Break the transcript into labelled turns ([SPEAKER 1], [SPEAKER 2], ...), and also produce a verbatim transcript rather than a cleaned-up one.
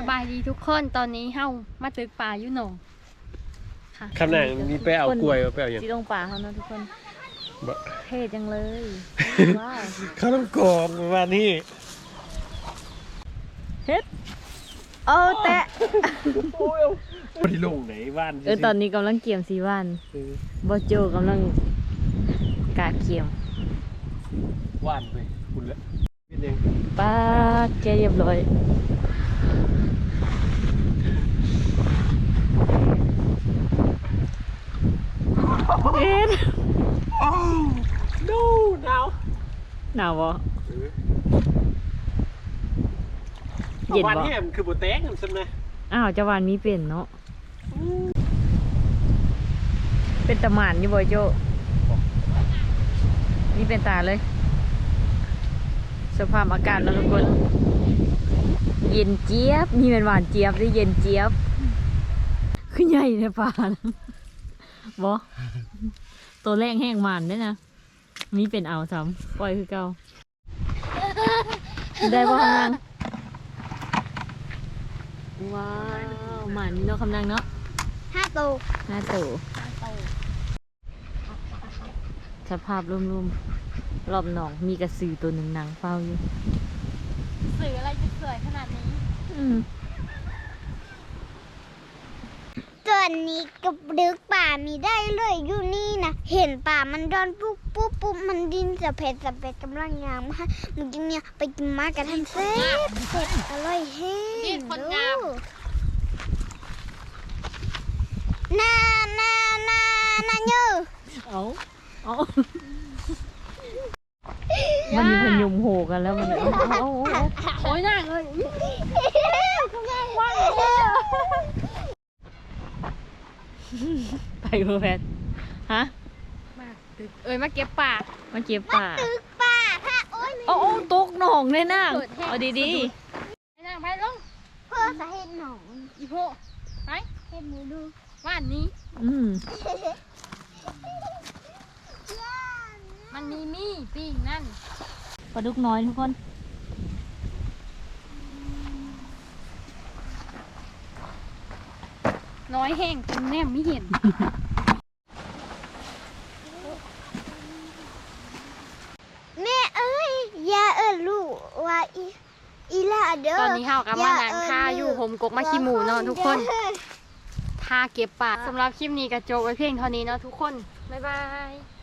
[SPEAKER 1] บายดีทุกคนตอนนี้เฮามาตึกป่าอยู่หนองค่ะ
[SPEAKER 2] คำนั้นมีไปเอากล้วยไปเอาอย่าง
[SPEAKER 3] ที่ตรงป่าเขาเนาะทุกคนเท่จังเลยว้าว
[SPEAKER 2] ข้าวต้มกรอบประมาณนี้
[SPEAKER 3] เฮ็ดโอ้แตะ
[SPEAKER 2] พอดีลงไหนบ้าน
[SPEAKER 3] เออตอนนี้กำลังเกี่ยมสีวัน
[SPEAKER 2] เออบ
[SPEAKER 3] อโจกำลังกาเกี่ยม
[SPEAKER 2] ว่านไปคุณละเป็นยัง
[SPEAKER 3] ป้าแกเรียบร้อยเอ็ด
[SPEAKER 2] อ้าวno หนาว
[SPEAKER 3] หนาวบ่
[SPEAKER 2] เออ
[SPEAKER 3] เย็น
[SPEAKER 2] วัน
[SPEAKER 3] บ่
[SPEAKER 2] นี้มันคือโบแตงกันใช่ไหม
[SPEAKER 3] อ้าวเจาวานมีเป็นเนาะเป็นตะหมานอยู่บ่โจนี่เป็นตาเลยสภาพอากาศแล้วทุกคนเย็นเจี๊ยบนี่เป็นหวานเจี๊ยบหรือเย็นเจี๊ยบขึ้นใหญ่ในป่านะบ่ตัวแรกแห้งหวานด้วยนะมีเป็นเอาซ้ำปล่อยคือเก่าได้บ่คำนางว้าวหมันเนาะคำนางเนาะ
[SPEAKER 1] ห้าโต
[SPEAKER 3] หน้าตู่สภาพรวมๆรอบหนองมีกระสือตัวหนึ่งนางเฝ้าอยู่
[SPEAKER 1] สื่ออะไรจะสวยขนาดนี้
[SPEAKER 3] อืม
[SPEAKER 4] ตัวนี้กับดึกป่ามีได้เลยอยู่นี่นะเห็นป่ามันดอนปุ๊บปุ๊บปุ๊บมันดินสะเพ็ดสะเพ็ดกำลังงามมากมึงกินเนี่ยไปกินมากันทันเซ็ตเซ็ตอร่อยแห้งดูน่าน่าน่าน่าเยอะ
[SPEAKER 3] เอาเอามันมีพยุมโหกันแล้วมันเอาเอาเอาเอา
[SPEAKER 1] โอ้ยน่าเลย
[SPEAKER 3] ไปเพื่อแพทฮะ
[SPEAKER 1] มาตึกเอ้ยมาเก็บป่า
[SPEAKER 3] มาเก็บป่า
[SPEAKER 4] ตึกป่าพระโอ้ย
[SPEAKER 3] โอ้โอ้ตกหนองเลยนะเอาดี
[SPEAKER 1] ไปนั่งไปลง
[SPEAKER 4] เพื่อสาเหตุหนอง
[SPEAKER 1] อีโพไป
[SPEAKER 4] เห็นหนูดู
[SPEAKER 1] ว่านนี้
[SPEAKER 3] ๆอืม
[SPEAKER 1] มันมีมี่ปิ้งนั่น
[SPEAKER 3] ปลาดุกน้อยทุกคน
[SPEAKER 1] น้อยแห้งจนแนมไม่เห็น
[SPEAKER 4] แม่เอ้ยอย่าเอิ้นลูกว่าอีอีล่าเด้อ
[SPEAKER 1] ตอนนี้เฮากำลังนั่งท่าอยู่ผมกกมาขี้หมูเนาะทุกคนท่าเก็บป่าสำหรับคลิปนี้กระโจกไว้เพียงเท่านี้เนาะทุกคนบ๊ายบาย